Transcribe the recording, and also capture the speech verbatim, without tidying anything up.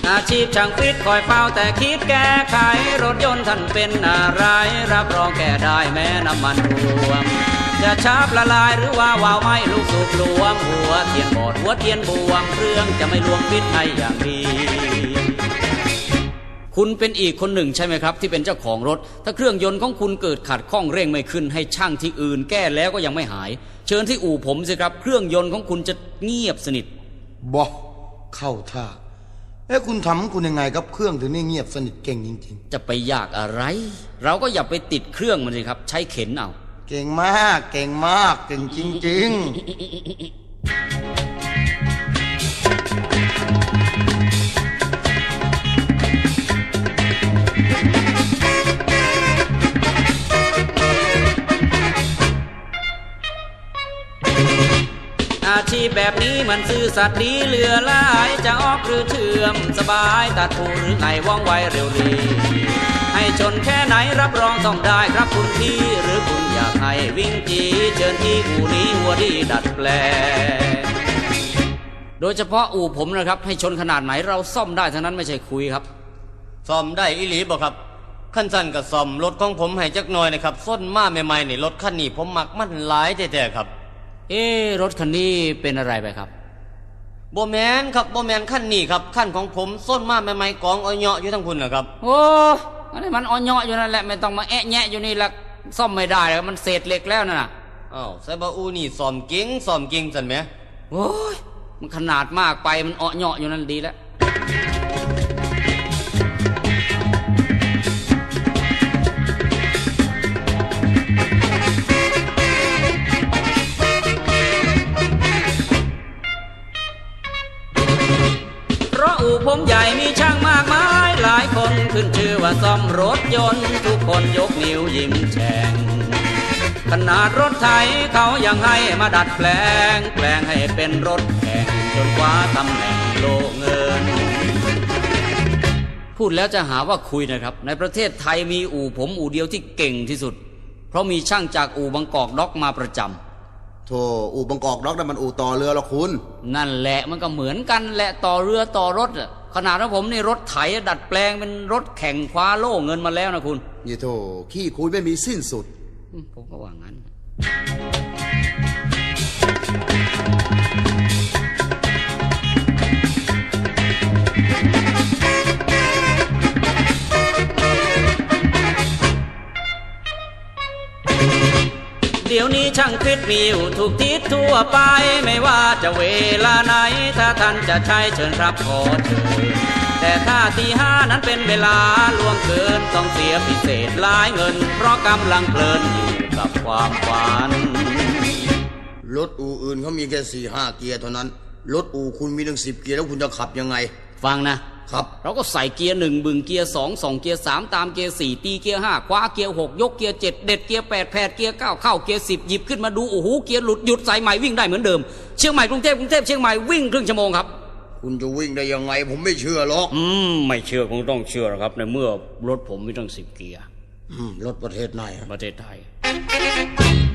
อาชีพช่างฟิตคอยเฝ้าแต่คิดแก้ไขรถยนต์ท่านเป็นอะไรรับรองแก้ได้แม้น้ำมันท่วมจะชาบละลายหรือว่าวาวไม่ลูกสูบหลวงหัวเทียนบอดหัวเทียนบวมเครื่องจะไม่ลวงฟิตให้อย่างดีคุณเป็นอีกคนหนึ่งใช่ไหมครับที่เป็นเจ้าของรถถ้าเครื่องยนต์ของคุณเกิดขัดข้องเร่งไม่ขึ้นให้ช่างที่อื่นแก้แล้วก็ยังไม่หายเชิญที่อู่ผมสิครับเครื่องยนต์ของคุณจะเงียบสนิทบอเข้าท่าเอ้คุณทำคุณยังไงครับเครื่องถึงได้เงียบสนิทเก่งจริงๆจะไปยากอะไรเราก็อย่าไปติดเครื่องมันสิครับใช้เข็นเอาเก่งมากเก่งมากเก่งจริงๆอาชีพแบบนี้มันซื่อสัตย์ดีเหลือหลายจะออกหรือเชื่อมสบายตัดผู้หรือไงว่องไวเร็วดีให้ชนแค่ไหนรับรองต้องได้ครับคุณพี่หรือคุณอยากให้วิ่งจีเชิญที่อู่นี้หัวดีดัดแปลงโดยเฉพาะอู่ผมนะครับให้ชนขนาดไหนเราซ่อมได้ทั้งนั้นไม่ใช่คุยครับซ่อมได้อีหลีบ่ครับขั้นสั้นกับซ่อมรถของผมให้จักหน่อยนะครับส้นมาใหม่ๆนี่รถคันนี้ผมมักมันหลายแท้ๆครับเอ๊รถคันนี้เป็นอะไรไปครับโบแมนครับโบแมนขั้นนี้ครับขั้นของผมส้นมาใหม่ๆกองอ้อยเหาะอยู่ทั้งคุณนะครับโอ้อันนี้มันอ้อยเหาะอยู่นั่นแหละไม่ต้องมาแอะแงะอยู่นี่ละซ่อมไม่ได้แล้วมันเศษเหล็กแล้วน่ะอ้าวไซบาอูนี่ซ่อมเก่งซ่อมเก่งสันไหมโอ้ยมันขนาดมากไปมันอ้อยเหาะอยู่นั่นดีแล้วผมใหญ่มีช่างมากมายหลายคนขึ้นชื่อว่าซ่อมรถยนต์ทุกคนยกนิ้วยิ้มแฉ่งขนาดรถไถเขายังให้มาดัดแปลงแปลงให้เป็นรถแข่งจนคว้าตำแหน่งโลเงินพูดแล้วจะหาว่าคุยนะครับในประเทศไทยมีอู่ผมอู่เดียวที่เก่งที่สุดเพราะมีช่างจากอู่บางกอกด็อกมาประจำโธ่อู่บางกอกด็อกนั่นมันอู่ต่อเรือหรอคุณนั่นแหละมันก็เหมือนกันแหละต่อเรือต่อรถอ่ะขนาดของผมนี่รถไถดัดแปลงเป็นรถแข่งคว้าโล่เงินมาแล้วนะคุณยี่โธ่ขี้คุยไม่มีสิ้นสุดผมก็ว่างั้นเดี๋ยวนี้ช่างฟิตมีอยู่ทุกทิศทั่วไปไม่ว่าจะเวลาไหนถ้าท่านจะใช้เชิญรับขอเชิญแต่ถ้าตีห้านั้นเป็นเวลาล่วงเกินต้องเสียพิเศษหลายเงินเพราะกำลังเพลินอยู่กับความฝันรถอู่อื่นเขามีแค่สี่ห้าเกียร์เท่านั้นรถอู่คุณมีถึงสิบเกียร์แล้วคุณจะขับยังไงฟังนะครับเราก็ใส่เกียร์หนึ่งบึงเกียร์สองส่องเกียร์สามตามเกียร์สี่ตีเกียร์ห้าคว้าเกียร์หกยกเกียร์เจ็ดเด็ดเกียร์แปดแผดเกียร์เก้าเข้าเกียร์สิบหยิบขึ้นมาดูโอ้โหเกียร์หลุดหยุดใส่ใหม่วิ่งได้เหมือนเดิมเชียงใหม่กรุงเทพกรุงเทพเชียงใหม่วิ่งครึ่งชั่วโมงครับคุณจะวิ่งได้ยังไงผมไม่เชื่อหรอกอืมไม่เชื่อคงต้องเชื่อครับในเมื่อรถผมมีตั้งสิบเกียร์อืมรถประเทศไหนประเทศไทย